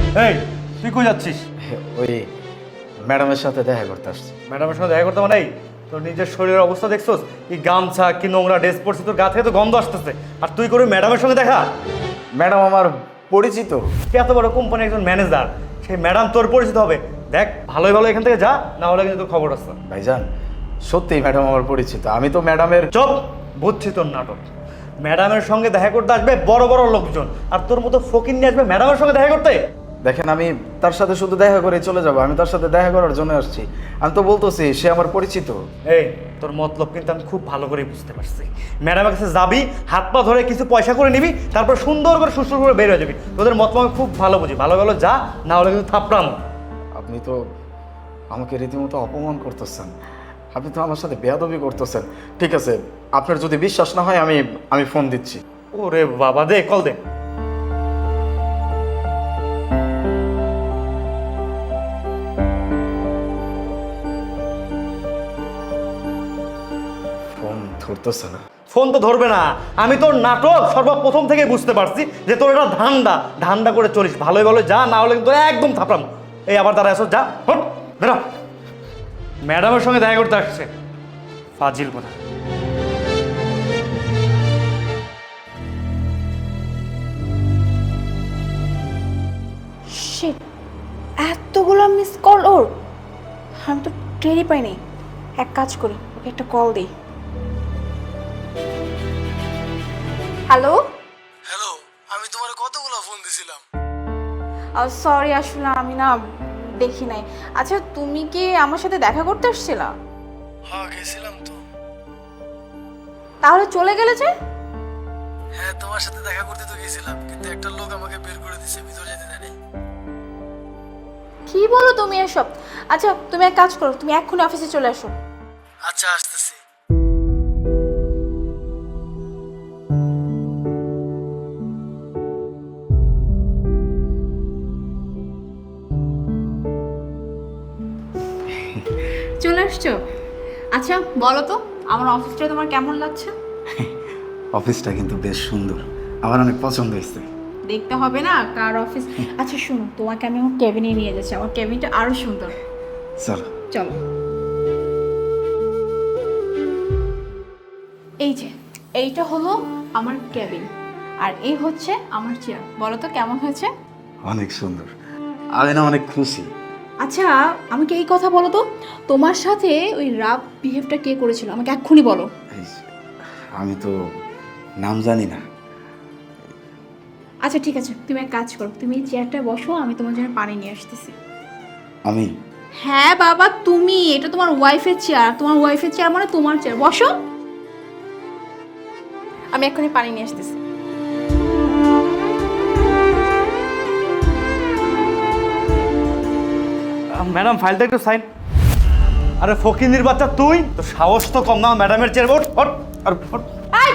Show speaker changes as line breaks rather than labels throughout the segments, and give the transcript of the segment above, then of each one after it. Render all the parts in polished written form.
এই তুই কই যাচ্ছিস?
ওই ম্যাডামের সাথে দেখা করতে আসছি।
ম্যাডামের সঙ্গে দেখা করতে মানে এই তোর নিজের শরীরের অবস্থা দেখছোস? কি গামছা কি নোংরা ড্রেস পরছিস, তোর গা থেকে তো গন্ধ আসতেছে, আর তুই করে ম্যাডামের সঙ্গে দেখা?
ম্যাডাম আমার পরিচিত।
এত বড় কোম্পানির একজন ম্যানেজার, সেই ম্যাডাম তোর পরিচিত হবে? দেখ ভালোই ভালো এখান থেকে যা, না হলে কিন্তু তোর খবর আছে।
ভাইজান সত্যিই ম্যাডাম আমার পরিচিত, আমি তো ম্যাডামের।
চুপ, বুঝছি তোর নাটক। ম্যাডামের সঙ্গে দেখা করতে আসবে বড় বড় লোকজন, আর তোর মতো ফকির নিয়ে আসবে ম্যাডামের সঙ্গে দেখা করতে?
দেখেন আমি তার সাথে শুধু দেখা করে চলে যাব, আমি তার সাথে দেখা করার জন্য আসছি। আমি তো বলতেছি সে আমার পরিচিত।
এই তোর মতলব কিন্তু আমি খুব ভালো করে বুঝতে পারছি। ম্যাডামের কাছে যাবি, হাত পা ধরে কিছু পয়সা করে নিবি, তারপর সুন্দর করে সুস্থ করে বের হয়ে যাবি। তোদের মতলব আমি খুব ভালো বুঝি, ভালো ভালো যা, না হলে কিন্তু থাপড়াম।
আপনি তো আমাকে রীতিমতো অপমান করতেছেন, আপনি তো আমার সাথে বেয়াদবি করতেছেন। ঠিক আছে, আপনার যদি বিশ্বাস না হয় আমি ফোন দিচ্ছি।
ওরে বাবা, দে কল দে।
ফোন ধরতেছে না।
ফোন তো ধরবে না। আমি তোর নাটক সর্বপ্রথম থেকে বুঝতে পারছি যে তোর এটা ধান্দা করে চলিস। ভালোই ভালো যা, না হলে কিন্তু একদম থাপড়াম। এই আবার তারা এসো, যা হট বেরো। ম্যাডামের সঙ্গে দেখা করতে আসছে, ফাজিল কথা।
শিট, এতগুলো মিস কল ওর, আমি তো টেরই পাইনি। এক কাজ করি, ওকে একটা কল দিই। হ্যালো
হ্যালো, আমি তোমার কতগুলো ফোন দিছিলাম।
সরি, আসলে আমি না দেখি নাই। আচ্ছা, তুমি কি আমার সাথে দেখা করতে আসছিলা?
হ্যাঁ গেছিলাম তো।
তাহলে চলে গেলে যে?
হ্যাঁ তোমার সাথে দেখা করতে তো গেছিলাম, কিন্তু একটা লোক আমাকে বের করে দিছে, ভিতরে যেতে দেয়নি।
কি বলো তুমি এসব? আচ্ছা তুমি এক কাজ করো, তুমি এক্ষুনি অফিসে চলে আসো।
আচ্ছা আসতেছি।
চলে আসছো? আচ্ছা বলো তো, আমার অফিসটা তোমার কেমন লাগছে?
অফিসটা কিন্তু বেশ সুন্দর, আমার অনেক পছন্দ হয়েছে।
দেখতে হবে না কার অফিস। আচ্ছা শুনো, তোমাকে আমি আমার কেবিনে নিয়ে যাচ্ছি, আমার কেবিনটা আরো সুন্দর।
চলো।
চলো। এই যে এইটা হলো আমার কেবিন, আর এই হচ্ছে আমার চেয়ার। বলো তো কেমন হয়েছে?
অনেক সুন্দর, আমি না অনেক খুশি।
আচ্ছা আমাকে এই কথা বলো তো, তোমার সাথে ওই রাফ বিহেভটা কে করেছিল আমাকে এক্ষুনি বলো।
এই, আমি তো নাম জানি না।
আচ্ছা ঠিক আছে, তুমি এক কাজ করো, তুমি এই চেয়ারটায় বসো, আমি তোমার জন্য পানি নিয়ে আসতেছি।
আমি?
হ্যাঁ বাবা তুমি, এটা তোমার ওয়াইফের চেয়ার, তোমার ওয়াইফের চেয়ার মানে তোমার চেয়ার, বসো। আমি এক্ষুনি পানি নিয়ে আসতেছি।
ম্যাডাম ফাইলটা একটু সাইন। আরে ফকিন্দির বাচ্চা, তুই তো সাহস তো কম না, ম্যাডামের চেয়ার ওঠ ওঠ আর ওঠ।
এই!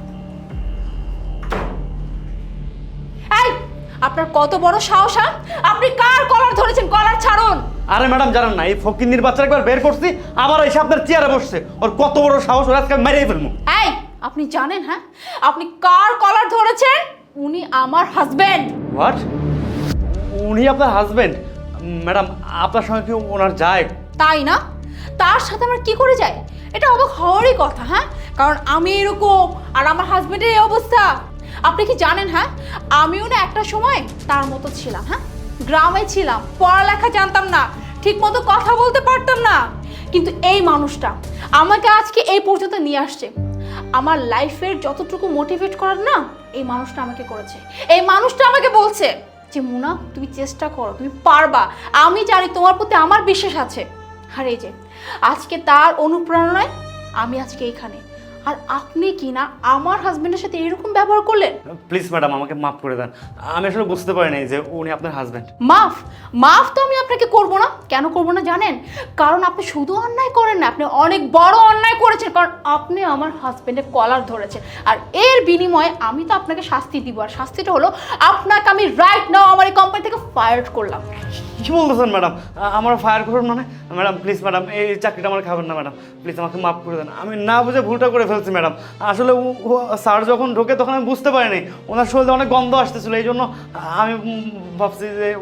এই! আপনার কত বড় সাহস, হ্যাঁ? আপনি কার কলার ধরেছেন? কলার ছাড়ুন।
আরে ম্যাডাম জানেন না, এই ফকিন্দির বাচ্চা একবার বের করছি, আবার এসে আপনার চেয়ারে বসছে। ওর কত বড় সাহস, ওর আজকে মেরেই ফেলবো।
এই আপনি জানেন, হ্যাঁ, আপনি কার কলার ধরেছেন? উনি আমার হাজবেন্ড।
হোয়াট? উনি আপনার হাজবেন্ড? ম্যাডাম আপনার সঙ্গে কি ওনার যায়?
তাই না? তার সাথে আমার কি করে যায়? এটা অবাক হওয়ারই কথা, হ্যাঁ, কারণ আমি এরকম আর আমার হাজবেন্ডের এই অবস্থা। আপনি কি জানেন, হ্যাঁ, আমিও না একটা সময় তার মতো ছিলাম। হ্যাঁ, গ্রামে ছিলাম, পড়ালেখা জানতাম না, ঠিক মতো কথা বলতে পারতাম না, কিন্তু এই মানুষটা আমাকে আজকে এই পর্যন্ত নিয়ে আসছে। আমার লাইফের যতটুকু মোটিভেট করার না, এই মানুষটা আমাকে করেছে। এই মানুষটা আমাকে বলছে যে মুনা তুমি চেষ্টা করো, তুমি পারবা, আমি জানি তোমার প্রতি আমার বিশ্বাস আছে। আর এই যে আজকে তার অনুপ্রেরণায় আমি আজকে এইখানে, আর আপনি কি না আমার হাজবেন্ডের সাথে এরকম ব্যবহার করলেন?
প্লিজ ম্যাডাম আমাকে মাফ করে দেন, আমি আসলে বুঝতে পারিনি যে উনি আপনার হাজবেন্ড।
মাফ? মাফ তো আমি আপনাকে করব না। কেন করব না জানেন? কারণ আপনি শুধু অন্যায় করেন না, আপনি অনেক বড় অন্যায় করেছেন, কারণ আপনি আমার হাজবেন্ডের কলার ধরেছেন, আর এর বিনিময়ে আমি তো আপনাকে শাস্তি দিব, আর শাস্তিটা হলো আপনাকে আমি রাইট নাও আমার এই কোম্পানি থেকে ফায়ার করলাম।
কি বলতেছেন ম্যাডাম? আমার ফায়ার করুন মানে? ম্যাডাম প্লিজ ম্যাডাম, এই চাকরিটা আমার খাবেন না ম্যাডাম, প্লিজ আমাকে মাফ করে দেন। আমি না বুঝে ভুলটা করে ফেলছি ম্যাডাম। আসলে স্যার যখন ঢোকে তখন আমি বুঝতে পারিনি ওনার শরীরে অনেক গন্ধ আসতেছিল, এই জন্য আমি ভাবছি যে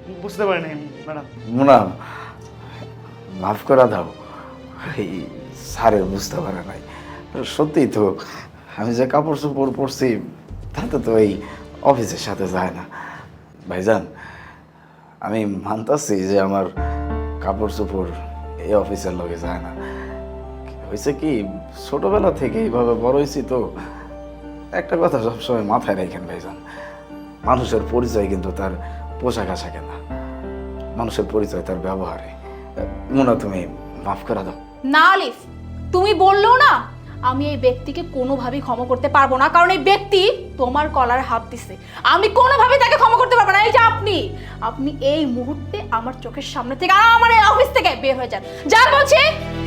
বুঝতে পারিনি ম্যাডাম।
মুনা মাফ করে দাও, এই স্যারের বুঝতে পারে নাই। সত্যিই তো আমি যে কাপড় চোপড় পরছি তাতে তো এই অফিসের সাথে যায় না। ভাইজান আমি মানতাছি যে আমার কাপড় চোপড় এই অফিসের লগে যায় না। হয়েছে কি ছোটবেলা থেকে এইভাবে বড় হয়েছি তো, একটা কথা সবসময় মাথায় রাখেন ভাইজান, মানুষের পরিচয় কিন্তু তার পোশাক আশাকে না, মানুষের পরিচয় তার ব্যবহারে। মুনা তুমি মাফ করে দাও।
না আলিফ, তুমি বললেও না আমি এই ব্যক্তিকে কোনোভাবেই ক্ষমা করতে পারবো না, কারণ এই ব্যক্তি তোমার কলার হাত দিছে। আমি কোনোভাবেই তাকে ক্ষমা করতে পারবো না। এই যে আপনি এই মুহূর্তে আমার চোখের সামনে থেকে আর আমার এই অফিস থেকে বের হয়ে যান, যান বলছি।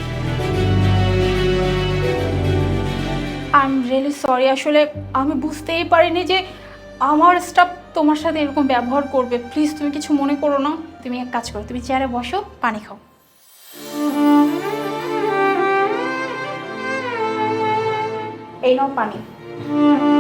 আই এম রিয়েলি সরি, আসলে আমি বুঝতেই পারিনি যে আমার স্টাফ তোমার সাথে এরকম ব্যবহার করবে। প্লিজ তুমি কিছু মনে করো না। তুমি এক কাজ করো, তুমি চেয়ারে বসো, পানি খাও। এই নাও পানি।